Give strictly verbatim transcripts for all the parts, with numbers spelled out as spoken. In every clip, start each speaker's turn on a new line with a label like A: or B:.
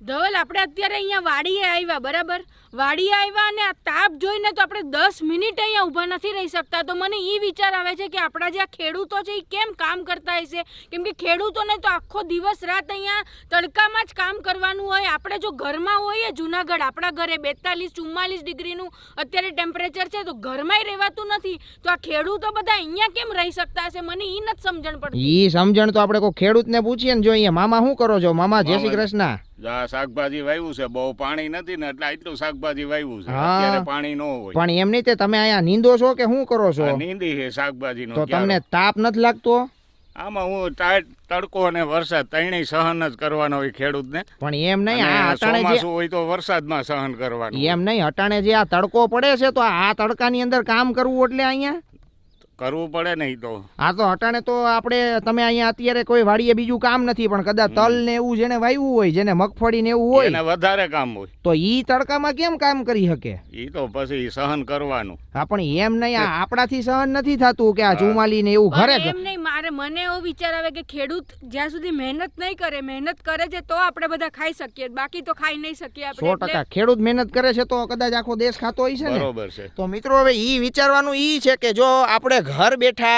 A: ધવલ આપણે અત્યારે અહીંયા વાડીએ આવ્યા બરાબર, વાડીએ આવ્યા અને આ તાપ જોઈને તો આપણે દસ મિનિટ અહીંયા ઊભા નથી રહી શકતા. તો મને એ વિચાર આવે છે કે આપણા જે આ ખેડૂતો છે એ કેમ કામ કરતા હશે, કેમ કે ખેડૂતોને તો આખો દિવસ રાત અહીંયા તડકામાં જ કામ કરવાનું હોય. આપણે જો ઘરમાં હોઈએ જુનાગઢ, આપણા ઘરે બેતાલીસ ચુમ્માલીસ ડિગ્રીનું અત્યારે ટેમ્પરેચર છે, તો ઘરમાંય રહેવાતું નથી. તો આ ખેડૂતો બધા અહીંયા કેમ રહી શકતા હશે, મને એ નથી સમજણ પડતી.
B: ઈ સમજણ તો આપણે કોઈ ખેડૂતને પૂછીએ ને. જો અહીંયા મામા શું કરો છો? મામા જય શ્રી કૃષ્ણ.
C: શાકભાજી વાવ્યું છે, બહુ પાણી નથી ને એટલે આટલું શાકભાજી વાવ્યું છે. અત્યારે પાણી ન હોય.
B: પણ એમ નહીં, તમે અહીંયા નીંદો છો કે શું કરો છો?
C: નીંદી છે શાકભાજી નો.
B: તો તમને તાપ નથી લાગતો?
C: આમાં હું ટાઈટ તડકો અને વરસાદ ત્રણેય સહન જ કરવાનો હોય ખેડૂતને.
B: પણ એમ નહીં, આ અટાણે જે
C: હોય તો વરસાદમાં સહન કરવાનું.
B: એમ નહીં, અટાણે જે આ તડકો પડે છે તો આ તડકાની અંદર કામ કરવું એટલે અહીંયા
C: કરવું પડે નહીં તો.
B: હા તો અટાણે તો આપણે તમે અહીંયા અત્યારે કોઈ વાડીએ બીજું કામ નથી, પણ કદાચ તલ ને એવું જેને વાવ્યું હોય, જેને મગફળી ને એવું હોય,
C: એને વધારે કામ હોય,
B: તો ઈ તડકામાં કેમ કામ કરી શકે?
C: ઈ તો પછી સહન કરવાનું.
B: હા પણ એમ નહીં, આ આપણાથી સહન નથી થતું કે આ ચુમાલી ને એવું ઘરે.
A: એમ નહીં, મારે મને એવો વિચાર આવે કે ખેડૂત જ્યાં સુધી મહેનત નહીં કરે, મહેનત કરે છે તો આપણે બધા ખાઈ શકીએ, બાકી તો ખાઈ નહીં શકીએ આપણે.
B: સો ટકા ખેડૂત મહેનત કરે છે તો કદાચ આખો દેશ ખાતો હોય છે ને.
C: બરોબર છે.
B: તો મિત્રો હવે ઈ વિચારવાનું ઈ છે કે જો આપણે ઘર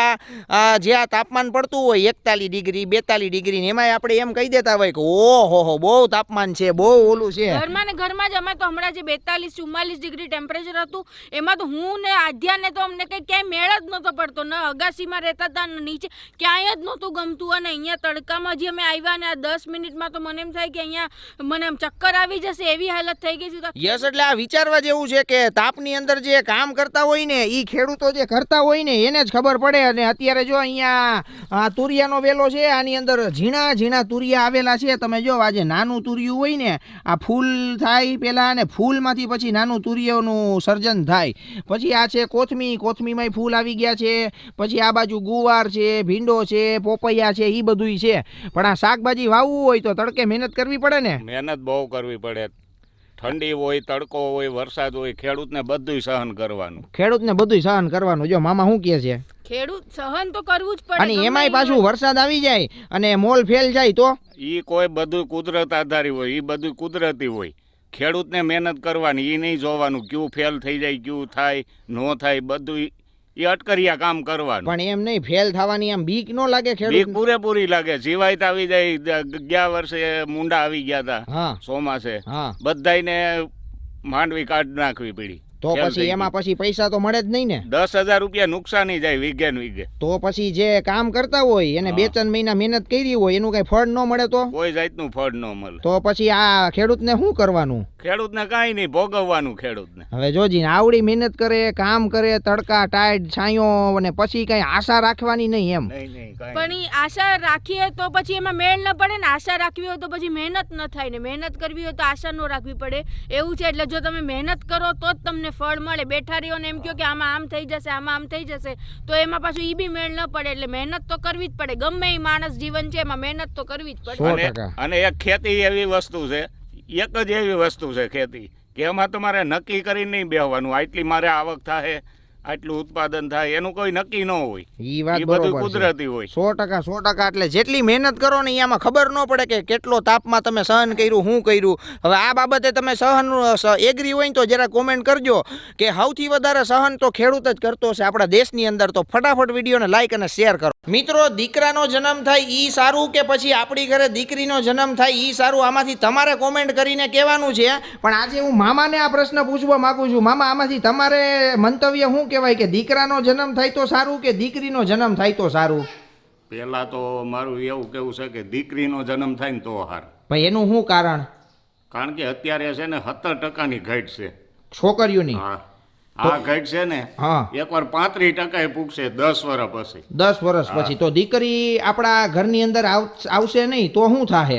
B: બેઠા જે આ તાપમાન પડતું હોય એકતાલીસ ડિગ્રી બેતાલીસ ડિગ્રી ને એમાં આપણે એમ કહી દેતા હોય કે ઓહો હો બહુ તાપમાન છે, બહુ ઓલું છે.
A: ઘરમાં ને ઘરમાં જ અમે તો હમણાં જે બેતાલીસ ચુમ્માલીસ ડિગ્રી ટેમ્પરેચર હતું એમાં તો હું ને આધ્યા ને તો અમને કઈ ક્યાંય મેળ જ નહોતો પડતો. ન અગાસીમાં રહેતા હતા ને નીચે ક્યાંય જ નહોતું ગમતું. અને અહીંયા તડકામાં જે અમે આવ્યા ને આ દસ મિનિટમાં તો મને એમ થાય કે અહીંયા મને એમ ચક્કર આવી જશે એવી હાલત થઈ ગઈ છે.
B: યસ, એટલે આ વિચારવા જેવું છે કે તાપની અંદર જે કામ કરતા હોય ને ઈ ખેડૂતો જે કરતા હોય ને એને જ ખબર પડે. અને અત્યારે જો અહીંયા તુરિયાનો વેલો છે, આની અંદર ઝીણા ઝીણા તુરિયા આવેલા છે. તમે જો આજે નાનું તુરિયું હોય ને આ ફૂલ થાય પેલા, અને ફૂલમાંથી પછી નાનું તુરિયાનું સર્જન થાય. પછી આ છે કોથમી, કોથમીમાં ફૂલ આવી ગયા છે. પછી આ બાજુ ગુવાર છે, ભીંડો છે, પોપૈયા છે, એ બધું છે. પણ આ શાકભાજી વાવવું હોય તો તડકે મહેનત કરવી પડે ને.
C: મહેનત બહુ કરવી પડે. ઠંડી હોય, તડકો હોય, વરસાદ હોય, ખેડૂતને બધું સહન કરવાનું.
B: ખેડૂતને બધું સહન કરવાનું. જો મામા શું કહે છે?
A: ખેડૂત સહન તો કરવું જ પડે.
B: અને એમાંય પાછું વરસાદ આવી જાય અને મોલ ફેલ જાય તો
C: ઈ કોઈ બધું કુદરત આધારી હોય, ઈ બધું કુદરતી હોય. ખેડૂતને મહેનત કરવાની, ઈ નહીં જોવાનું ક્યું ફેલ થઈ જાય, ક્યું થાય નો થાય, બધું એ અટકરિયા કામ કરવાનું.
B: પણ એમ નહીં, ફેલ થવાની આમ બીક નો લાગે?
C: બીક
B: ખેડૂત
C: પૂરેપૂરી લાગે. જીવાય આવી જાય. ગયા વર્ષે મુંડા આવી ગયા હતા.
B: હા
C: ચોમાસે
B: હા,
C: બધાને માંડવી કાઢ નાખવી પડી.
B: તો પછી એમાં પછી પૈસા તો મળે જ નહીં ને.
C: દસ હજાર રૂપિયા નુકસાની જાય વીઘે ને વીઘે.
B: તો પછી જે કામ કરતા હોય એને બે ત્રણ મહિના મહેનત કરી હોય એનું કઈ ફળ ન મળે તો
C: કોઈ જાતનું ફળ ન મળે.
B: તો પછી આ ખેડૂતને શું કરવાનું?
C: ખેડૂતને કાંઈ નહીં, ભોગવવાનું ખેડૂતને.
B: હવે જોજી આવડી મહેનત કરે, કામ કરે, તડકા ટાઈટ છાંયો, અને પછી કઈ આશા રાખવાની નહીં એમ.
A: પણ ઈ આશા રાખીએ તો પછી એમાં મેળ ન પડે ને. આશા રાખવી હોય તો પછી મહેનત ન થાય ને, મહેનત કરવી હોય તો આશા ન રાખવી પડે એવું છે. એટલે જો તમે મહેનત કરો તો જ તમને ફળ મળે. બેઠા રહ્યો ને એમ કહો કે આમાં આમ થઈ જશે, આમાં આમ થઈ જશે, તો એમાં પાછું ઈ બી મેળ ન પડે. એટલે મહેનત તો કરવી જ પડે. ગમે એ માણસ જીવન છે એમાં મહેનત તો કરવી જ પડે.
C: અને એક ખેતી એવી વસ્તુ છે, એક જ એવી વસ્તુ છે ખેતી કે એમાં તમારે નક્કી કરીને નહીં બેહવાનું આટલી મારે આવક થાય, આટલું ઉત્પાદન થાય, એનું કોઈ નક્કી ન હોય.
B: ઈ વાત
C: બધું કુદરતી હોય.
B: સો ટકા સો ટકા. એટલે જેટલી મહેનત કરો ને એમાં ખબર ન પડે કે કેટલો તાપમાં તમે સહન કર્યું, શું કર્યું. હવે આ બાબતે તમે સહન એગ્રી હોય તો જરા કોમેન્ટ કરજો કે સૌથી વધારે સહન તો ખેડૂત જ કરતો છે આપણા દેશની અંદર. તો ફટાફટ વિડીયોને લાઈક અને શેર કરો. મિત્રો, દીકરાનો જન્મ થાય ઈ સારું કે પછી આપણી ઘરે દીકરીનો જન્મ થાય ઈ સારું? આમાંથી તમારે કોમેન્ટ કરીને કહેવાનું છે. પણ આજે હું મામાને આ પ્રશ્ન પૂછવા માંગુ છું. મામા, આમાંથી તમારે મંતવ્ય શું કહેવાય કે દીકરાનો જન્મ થાય તો સારું કે દીકરીનો જન્મ થાય તો સારું?
C: પહેલા તો મારું એવું કેવું છે કે દીકરીનો જન્મ થાય ને તો સારું.
B: ભાઈ એનું શું કારણ?
C: કારણ કે અત્યારે છે ને સત્તર ટકાની ઘટ છે
B: છોકરીઓની.
C: હા, આ ઘટ છે ને
B: હા,
C: એકવાર પાંત્રીસ ટકા પૂગશે દસ વર્ષ પછી.
B: દસ વર્ષ પછી તો દીકરી આપણા ઘરની અંદર આવશે નહીં તો શું થાય?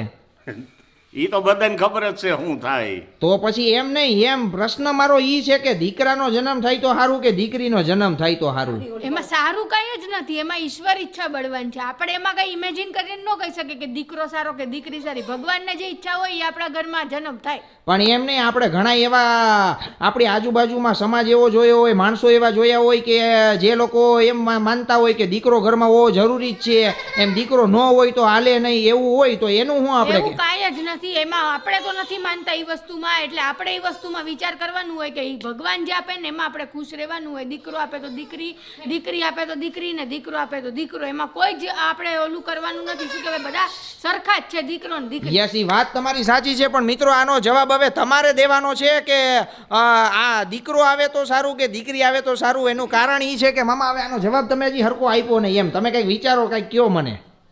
C: ઈ તો બધાને ખબર જ છે શું થાય.
B: તો પછી એમ નહીં, એમ પ્રશ્ન મારો ઈ છે કે દીકરાનો જન્મ થાય તો સારું કે દીકરીનો જન્મ થાય તો સારું?
A: એમાં સારું કઈ જ નથી, એમાં ઈશ્વર ઈચ્છા બળવાન છે. આપણે એમાં કઈ ઇમેજિન કરીને ન કહી શકીએ કે દીકરો સારો કે દીકરી સારી. ભગવાનને જે ઈચ્છા હોય એ આપણા ઘરમાં જન્મ થાય.
B: પણ એમ નહીં, આપણે ઘણા એવા આપણી આજુબાજુમાં સમાજ એવો જોયો હોય, માણસો એવા જોયા હોય કે જે લોકો એમ માનતા હોય કે દીકરો ઘરમાં હોવો જરૂરી જ છે, એમ દીકરો ન હોય તો હાલે નહીં એવું હોય. તો એનું શું આપણે
A: કાંઈ જ નથી. નથી, એમાં આપણે તો નથી માનતા એ વસ્તુમાં, એટલે આપણે એ વસ્તુમાં વિચાર કરવાનું હોય કે ઈ ભગવાન જે આપે ને એમાં આપણે ખુશ રહેવાનું હોય. દીકરો આપે તો દીકરી, દીકરી આપે તો દીકરી, ને દીકરો આપે તો દીકરો, એમાં કોઈ જ આપણે ઓલું કરવાનું નથી. શું કહેવાય, બધા સરખા જ છે, દીકરો ને દીકરી.
B: યસ, ઈ વાત તમારી સાચી છે, પણ મિત્રો આનો જવાબ હવે તમારે દેવાનો છે કે અ, આ દીકરો આવે તો સારું કે દીકરી આવે તો સારું. એનું કારણ એ છે કે મામા હવે આનો જવાબ તમે હજી હરખો આપ્યો નહીં, એમ તમે કંઈક વિચારો, કંઈક કયો મને.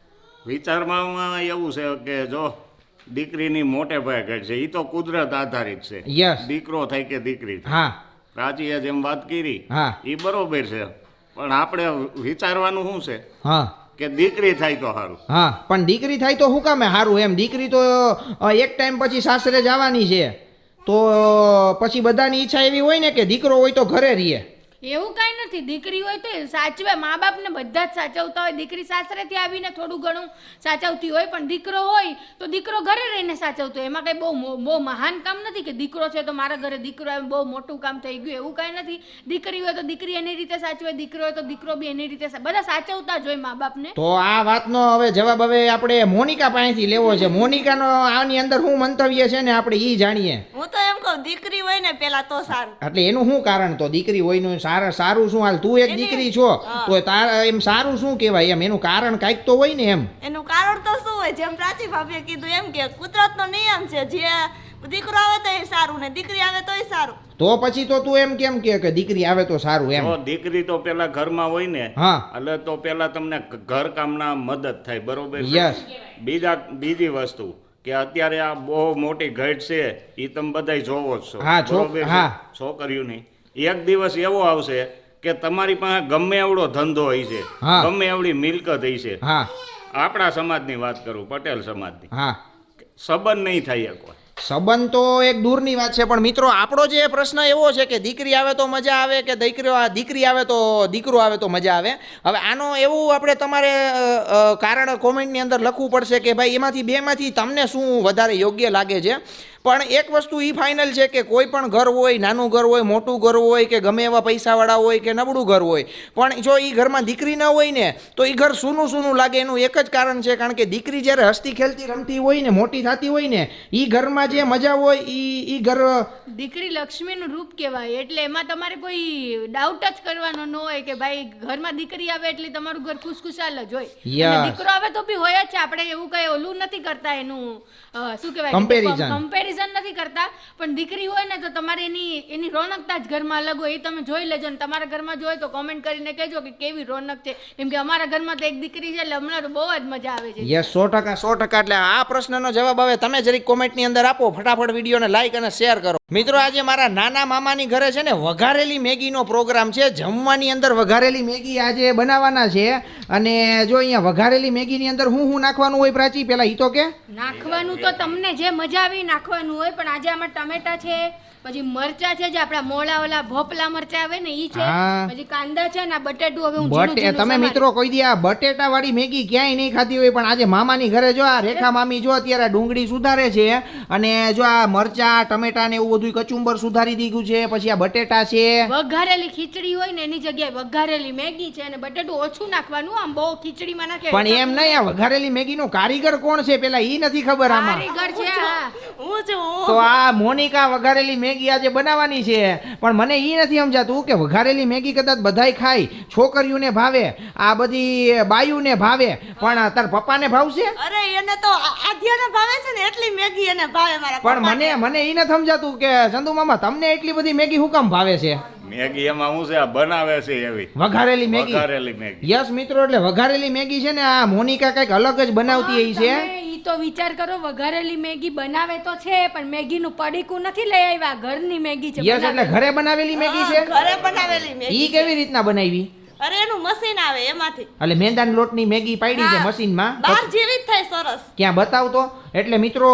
C: વિચારમાં એવું છે કે જો દીકરીની મોટે ભાગે ઘટ છે, એ તો કુદરત આધારિત છે.
B: યસ.
C: દીકરો થાય કે દીકરી થાય.
B: હા
C: પ્રાચીએ જેમ વાત કરી
B: હા
C: એ બરોબર છે, પણ આપણે વિચારવાનું શું છે
B: હા
C: કે દીકરી થાય તો સારું.
B: હા પણ દીકરી થાય તો શું કામે સારું? એમ દીકરી તો અ, એક ટાઈમ પછી સાસરે જવાની છે, તો પછી બધાની ઈચ્છા એવી હોય ને કે દીકરો હોય તો ઘરે રહીએ.
A: એવું કાંઈ નથી, દીકરી હોય તો સાચવે, મા બાપને બધા જ સાચવતા હોય. દીકરી સાસરેથી આવીને થોડું ઘણું સાચવતી હોય, પણ દીકરો હોય તો દીકરો ઘરે રહીને સાચવતો હોય. એમાં કંઈ બહુ મો- બહુ મહાન કામ નથી કે દીકરો છે તો મારા ઘરે દીકરો આવે, બહુ મોટું કામ થઈ ગયું, એવું કાંઈ નથી. દીકરી હોય તો દીકરી એની રીતે સાચવે, દીકરો હોય તો દીકરો બી એની રીતે સા- બધા સાચવતા જ હોય મા બાપને.
B: તો આ વાતનો હવે જવાબ હવે આપણે મોનિકા પાસેથી લેવો છે. મોનિકાનો આની અંદર શું મંતવ્ય છે ને આપણે ઈ જાણીએ.
D: હું તો એમ કહું દીકરી હોય ને પેલા તો સારું.
B: એટલે એનું શું કારણ? તો દીકરી હોયનું સારા સારું શું? હાલ તું એક
D: એની-
B: દીકરી છો
D: હા.
B: તો તારા એમ સારું શું કહેવાય? એમ એનું કારણ કાંઈક તો હોય ને. એમ
D: એનું કારણ તો શું હોય, જેમ પ્રાચી ભાભીએ કીધું એમ કે કુદરતનો નિયમ છે, જે દીકરો આવે તો એ સારું ને દીકરી આવે તો એ સારું.
B: તો પછી તો તું એમ કેમ કે કે દીકરી આવે તો સારું એમ?
C: જો દીકરી તો પેલા ઘરમાં હોય ને
B: હા
C: એટલે તો પેલા તમને ઘર કામના મદદ થાય, બરોબર છે?
B: યસ.
C: બીજા બીજી વસ્તુ કે અત્યારે આ બહુ મોટી ઘટ છે, એ તમે બધાય જોવો જ છો,
B: હા, છો-
C: બરોબર છે?
B: હા.
C: છોકરીઓની એક દિવસ એવો આવશે કે તમારી પાસે ગમે એવડો ધંધો હોય છે,
B: હા.
C: ગમે એવડી મિલકત હોય છે,
B: હા
C: આપણા સમાજની વાત કરું, પટેલ સમાજની,
B: હા
C: સંબંધ નહીં થાય એક વાર.
B: સંબંધ તો એક દૂરની વાત છે, પણ મિત્રો આપણો જે પ્રશ્ન એવો છે કે દીકરી આવે તો મજા આવે કે દીકરો દીકરી આવે તો દીકરો આવે તો મજા આવે. હવે આનો એવું આપણે તમારે અ, અ, કારણ કોમેન્ટની અંદર લખવું પડશે કે ભાઈ એમાંથી બેમાંથી તમને શું વધારે યોગ્ય લાગે છે. પણ એક વસ્તુ એ ફાઇનલ છે કે કોઈ પણ ઘર હોય, નાનું ઘર હોય, મોટું ઘર હોય, કે ગમે એવા પૈસાવાળા હોય કે નબળું ઘર હોય, પણ જો એ ઘરમાં દીકરી ન હોય ને તો એ ઘર સૂનું સૂનું લાગે. એનું એક જ કારણ છે, કારણ કે દીકરી જ્યારે હસતી ખેલતી રમતી હોય ને, મોટી થતી હોય ને, એ ઘરમાં જે મજા હોય એ એ ઘર
A: દીકરી લક્ષ્મીનું રૂપ કહેવાય, એટલે એમાં તમારે કોઈ ડાઉટ જ કરવાનો ન હોય કે ભાઈ ઘરમાં દીકરી આવે એટલે તમારું ઘર ખુશખુશાલ જ હોય.
B: Yes.
A: અને દીકરો આવે તો બી હોય જ છે, આપણે એવું કઈ ઓલું નથી કરતા, એનું અ, શું કહેવાય,
B: Comparison.
A: કમ્પેરિઝન નથી કરતા. પણ દીકરી હોય ને તો તમારે એની એની રોનકતા જ ઘરમાં અલગ હોય, એ તમે જોઈ લેજો. ને તમારા ઘરમાં જો હોય તો કોમેન્ટ કરીને કહેજો કે કેવી રોનક છે, કેમ કે અમારા ઘરમાં તો એક દીકરી છે એટલે હમણાં તો બહુ જ મજા આવે છે.
B: યસ, સો ટકા સો ટકા. એટલે આ પ્રશ્નનો જવાબ હવે તમે જરીક કોમેન્ટની અંદર આપો, ફટાફટ વિડીયોને લાઈક અને શેર કરો. મિત્રો આજે મારા નાના મામાની ઘરે છે ને વઘારેલી મેગીનો પ્રોગ્રામ છે. જમવાની અંદર વઘારેલી મેગી આજે બનાવવાના છે. અને જો અહીંયા વઘારેલી મેગીની અંદર હું શું નાખવાનું હોય પ્રાચી, પેલા ઈ તો કે
A: નાખવાનું તો તમને જે મજા આવી નાખવાનું હોય, પણ આજે આમાં ટમેટા છે, પછી મરચા છે, જે આપણા મોળા ઓલા ભોપલા મરચા આવે ને ઈ છે,
B: હા.
A: પછી કાંદા છે ને આ બટેટું. હવે હું ઝીણું
B: બટે
A: ઝીણું
B: તમે
A: સમારી.
B: મિત્રો કોઈ દી આ બટેટા વાળી મેગી ક્યાંય નહીં ખાધી હોય, પણ આજે મામાની ઘરે જો આ રેખા મામી જો અત્યારે ડુંગળી સુધારે છે, અને જો આ મરચા ટમેટા ને એવું બધું કચુંબર સુધારી દીધું છે, પછી આ બટેટા છે.
A: વઘારેલી ખીચડી હોય ને એની જગ્યાએ વઘારેલી મેગી છે, અને બટેટું ઓછું નાખવાનું, આમ બહુ ખીચડીમાં નાખે.
B: પણ એમ નહીં, આ વઘારેલી મેગીનો કારીગર કોણ છે પેલા ઈ નથી ખબર આમાં.
A: કારીગર છે આ.
D: હું છું હું.
B: તો આ મોનિકા વઘારેલી મેગી આજે બનાવવાની છે, પણ મને ઈ નથી સમજાતું કે વઘારેલી મેગી કદાચ બધાય ખાય, છોકરીઓને ભાવે, આ બધી બાયુને ભાવે, પણ તાર પપ્પાને ભાવશે?
D: અરે એને તો આ- આધ્યાને ભાવે છે ને એટલી મેગી એને ભાવે મારા
B: પણ
D: પપ્પાને.
B: મને મને ઈ નથી સમજાતું કે ચંદુ મામા તમને એટલી બધી મેગી શું કામ ભાવે છે?
C: મેગી એમાં શું છે, આ બનાવે છે એવી
B: વઘારેલી મેગી.
C: વઘારેલી મેગી.
B: યસ મિત્રો, એટલે વઘારેલી મેગી છે ને આ મોનિકા કઈક અલગ જ બનાવતી એ છે.
A: તમે ઈ તો વિચાર કરો, વઘારેલી મેગી બનાવે તો છે, પણ મેગીનું પડીકું નથી લઈ આવ્યા, ઘરની મેગી છે.
B: યસ, એટલે ઘરે બનાવેલી મેગી છે.
D: ઘરે બનાવેલી મેગી.
B: ઈ કેવી રીતના બનાવી?
D: અરે એનું મશીન આવે એમાંથી.
B: એટલે મેંદાના લોટની મેગી પાડી છે
D: હા.
B: મશીનમાં.
D: બહાર જેવી જ થાય સરસ.
B: ક્યાં બતાવતો? એટલે મિત્રો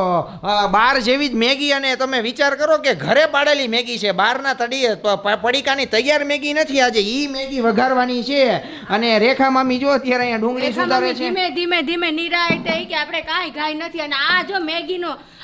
B: અ, બાર જેવી જ મેગી, અને તમે વિચાર કરો કે ઘરે પાડેલી મેગી છે, બહારના તડીએ પ- પ- પડીકાની તૈયાર મેગી નથી. આજે ઈ મેગી વઘારવાની છે. અને રેખા મામી જો અત્યારે અહીંયા ડુંગળી
A: રેખા
B: સુધારે
A: મમ્મી
B: છે.
A: ધીમે ધીમે ધીમે નિરાય થઈ કે આપણે કાંઈ ગાય નથી. અને આ જો મેગીનો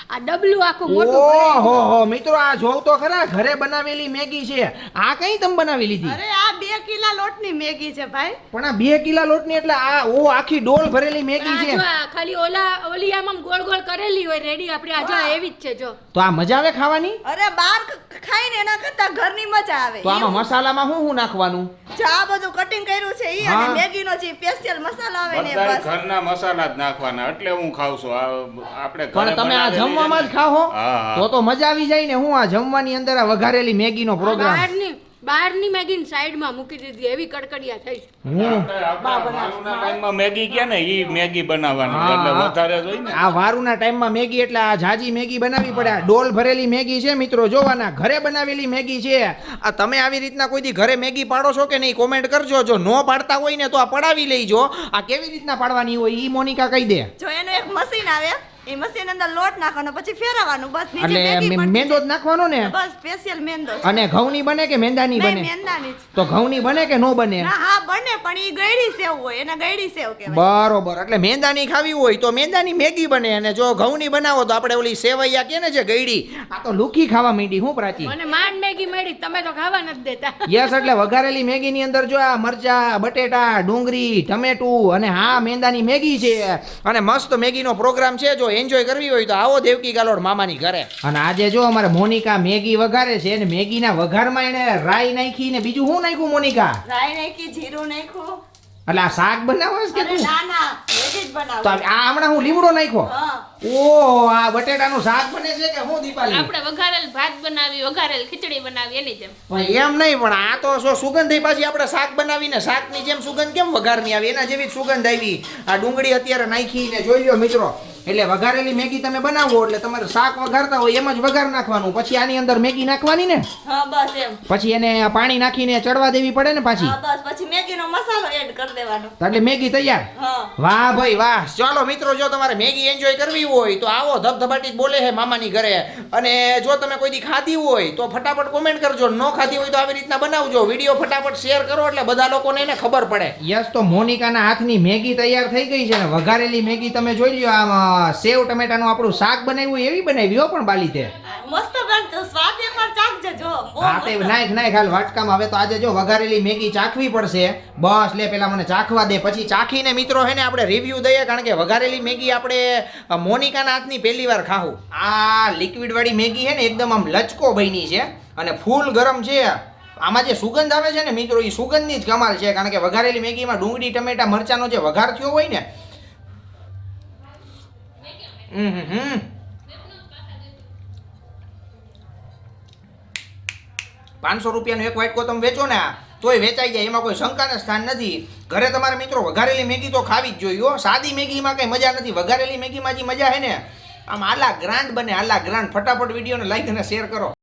A: આ ડબલું આખું મોટું ભરાય.
B: ઓહો હો મિત્રો આ જોવ તો ખરા ઘરે બનાવેલી મેગી છે આ કઈ તમે બનાવી લીધી
D: અરે આ બે કિલા લોટની મેગી છે ભાઈ.
B: પણ આ બે કિલા લોટની એટલે આ ઓ આખી ડોલ ભરેલી મેગી
A: આ
B: છે
A: જો આ ખાલી ઓલા ઓલી આમ ગોળ ગોળ કરેલી હોય રેડી આપણી આ જો એવી જ છે જો.
B: તો આ મજા આવે ખાવાની
D: અરે બાર ખાઈને એના કરતા ઘરની મજા આવે.
B: તો આમાં મસાલામાં શું શું નાખવાનું
D: જો આ બધું કટિંગ કર્યું છે ઈ
B: હા.
D: અને મેગીનો જે સ્પેશિયલ મસાલો આવે ને
C: બધા
D: બસ.
C: ઘરના મસાલા જ નાખવાના એટલે હું ખાઉં છું આ આપણે ઘરે
B: પણ તમે આ
C: બનાવેલી
B: જમવામાં જ
C: છે ને.
B: ખાઓ
C: હા, હા.
B: તો તો મજા આવી જાય ને હું આ જમવાની અંદર આ વઘારેલી મેગીનો પ્રોગ્રામ
A: બહારની બહારની મેગીને સાઈડમાં મૂકી દીધી એવી કડકડિયા થઈ છે.
B: હું
C: આપણે આપણા માલુના ટાઈમમાં મેગી કે ને ઈ મેગી બનાવવાની
B: હા,
C: એટલે
B: હા.
C: વધારે જોઈ ને
B: આ વારુના ટાઈમમાં મેગી એટલે આ જાજી મેગી બનાવવી પડે આ ડોલ ભરેલી મેગી છે મિત્રો જોવાના ઘરે બનાવેલી મેગી છે આ તમે આવી રીતના કોઈ દી ઘરે મેગી પાડો છો કે નહીં કોમેન્ટ કરજો જો નો પાડતા હોય ને તો આ પડાવી લેજો આ કેવી રીતના પાડવાની હોય ઈ મોનિકા કહી દે
D: જો એનું એક મશીન આવે એ મશીન અંદર લોટ નાખવાનો પછી ફેરવવાનું બસ નીચે
B: એટલે
D: મેગી
B: મે-
D: પડતી
B: મેંદો જ નાખવાનો ને
D: જાય. બસ સ્પેશિયલ મેંદો છે.
B: અને ઘઉંની બને કે મેંદાની
D: નહીં,
B: બને
D: મેંદાની જ.
B: તો ઘઉંની બને કે નો બને
D: ના હા બને પણ ઈ ગળી સેવ હોય એને ગળી સેવ કહેવાય.
B: બરોબર એટલે મેંદાની ખાવી હોય તો મેંદાની મેગી બને અને જો ઘઉંની બનાવો તો આપણે ઓલી સેવૈયા કે ને જે ગઈડી આ તો લુખી ખાવા માંડી હું પ્રાચી
A: મને માંડ મેગી મળી તમે તો ખાવા નથી દેતા.
B: યસ એટલે વઘારેલી મેગી ની અંદર જો આ મરચા બટેટા ડુંગળી ટમેટું અને હા મેંદાની મેગી છે અને મસ્ત મેગીનો પ્રોગ્રામ છે જો એન્જોય કરવી હોય તો આવો દેવકી ગાલોડ મામાની ઘરે અને આજે જો અમારે મોનિકા મેગી વઘારે છે અને મેગીના વઘારમાં એને રાઈ નાખી ને બીજું શું નાખ્યું મોનિકા
D: રાઈ નાખી જીરું નાખ્યું.
B: એટલે આ શાક બનાવસ કે
D: અરે
B: તું
D: ના ના વેજ જ
B: તો
D: બનાવું.
B: આ હમણાં હું લીમડો નાખ્યો
D: હા
B: ઓહ આ બટેટાનું શાક બને છે કે હું દીપાલી
E: આપણે વઘારેલ ભાત બનાવી વઘારેલ ખીચડી બનાવી એની જેમ
B: પણ એમ નહીં પણ આ તો શું સુગંધ થઈ પાછી આપણે શાક બનાવીને શાકની જેમ સુગંધ કેમ વઘારની આવી એના જેવી જ સુગંધ આવી આ ડુંગળી અત્યારે નાખીને જોઈ લ્યો મિત્રો એટલે વઘારેલી મેગી તમે બનાવો એટલે તમારે શાક વઘારતા હોય એમ જ વઘાર નાખવાનું પછી આની અંદર મેગી નાખવાની ને
D: હા બસ એમ.
B: પછી એને પાણી નાખીને ચડવા દેવી પડે ને પાછી
D: હા બસ પછી મેગીનો મસાલો એડ કરી દેવાનો.
B: તો એટલે મેગી તૈયાર
D: હા
B: વાહ ભાઈ વાહ ચાલો મિત્રો જો તમારે મેગી એન્જોય કરવી હોય તો આવો ધબધબાટી જ બોલે છે મામાની ઘરે અને જો તમે કોઈ દી ખાધી હોય તો ફટાફટ કોમેન્ટ કરજો ન ખાધી હોય તો આવી રીતના બનાવજો વિડીયો ફટાફટ શેર કરો એટલે બધા લોકોને એને ખબર પડે યસ તો મોનિકાના હાથની મેગી તૈયાર થઈ ગઈ છે ને વઘારેલી મેગી તમે જોઈ લ્યો આમ સેવ ટમેટાનું આપણું શાક બનાવ્યું એવી બનાવી હો પણ બાલી તે
D: મસ્ત બનતો સ્વાદ એકવાર ચાખજે જો બહુ
B: હા તે
D: મસ્ત.
B: નાખ નાખ હાલ વાટકામાં હવે તો આજે જો વઘારેલી મેગી ચાખવી પડશે બસ લે પેલા મને ચાખવા દે પછી ચાખીને મિત્રો હે ને આપણે રિવ્યુ દઈએ કારણ કે વઘારેલી મેગી આપણે અ, મોનિકાના હાથની પહેલી વાર ખાવું આ લિક્વિડ વાળી મેગી છે ને એકદમ આમ લચકો બની છે અને ફૂલ ગરમ છે આમાં જે સુગંધ આવે છે ને મિત્રો એ સુગંધની જ કમાલ છે કારણ કે વઘારેલી મેગીમાં ડુંગળી ટમેટા મરચાનો જે વઘાર થયો હોય ને હમ હમ હમ પાંચસો રૂપિયાનું એક વાટકો તમે વેચો ને આ તોય વેચાઈ જાય એમાં કોઈ શંકાને સ્થાન નથી ઘરે તમારે મિત્રો વઘારેલી મેગી તો ખાવી જ જોઈએ હો સાદી મેગીમાં કઈ મજા નથી વઘારેલી મેગીમાં જે મજા છે ને આમ આલા ગ્રાન્ડ બને આલા ગ્રાન્ડ ફટાફટ વિડીયોને લાઈક અને શેર કરો